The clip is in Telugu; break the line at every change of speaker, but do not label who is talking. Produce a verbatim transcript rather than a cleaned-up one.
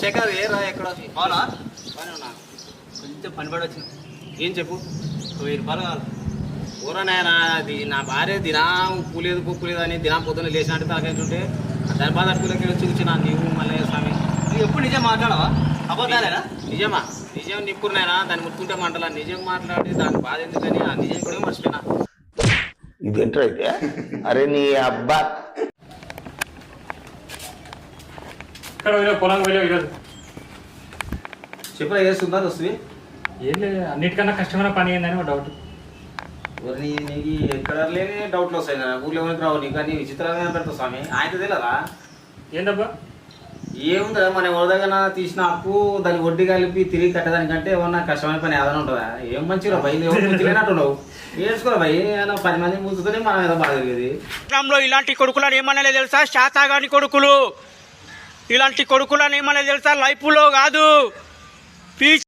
ఎక్కడ రా ఎక్కడ
అవునా
పని ఉన్నా
కొంచెం పని పడి వచ్చింది.
ఏం చెప్పు
వెయ్యి రూపాయలు కావాలి.
ఊరనాయనా అది నా భార్య దినం ఉప్పు లేదు పప్పు లేదు అని దినం పొద్దున్న లేచినట్టు తాకేంటుంటే దాని బాధ అడుగులకి వచ్చి కూర్చున్నా నీవు మల్లయ్య స్వామి.
నువ్వు ఎప్పుడు నిజం మాట్లాడవా? అబద్ధాలేనా?
నిజమా నిజం నిప్పుడునాయనా దాన్ని ముట్టుకుంటే మంటలా నిజం మాట్లాడి దాని బాధ ఎందుకని ఆ నిజం కూడా మర్చిపోయినా.
ఇది ఎంటర్ అయితే అరే నీ అబ్బా
ఇక్కడ పోయినా పొలం పోయినా ఈరోజు
చెప్పురా చేస్తుందా వస్తుంది
ఏం లేదు, అన్నిటికన్నా కష్టమైన పని ఏందని ఒక డౌట్.
నీ నీకు ఎక్కడ లేని డౌట్లు వస్తాయి కదా ఊర్లో ఎవరికి రావు నీకు అన్ని విచిత్రంగా పెడతావు స్వామి. ఆయన తెలియదా
ఏందబ్బా?
ఏముందా మన ఎవరిదైనా తీసిన అప్పు దాన్ని వడ్డీ కలిపి తిరిగి కట్టడానికంటే ఏమన్నా కష్టమైన పని ఏదైనా ఉంటుందా? ఏం మంచిగా భయ్ తెలియనట్టున్నావు నేర్చుకోరా భయ్. పది మంది మూసుకొని మనం ఏదో బాధ జరిగేది.
ఇలాంటి కొడుకులని ఏమన్నా తెలుసా? శాతాగాని కొడుకులు ఇలాంటి కొడుకులని ఏమన్నా తెలుసా? లైఫ్లో కాదు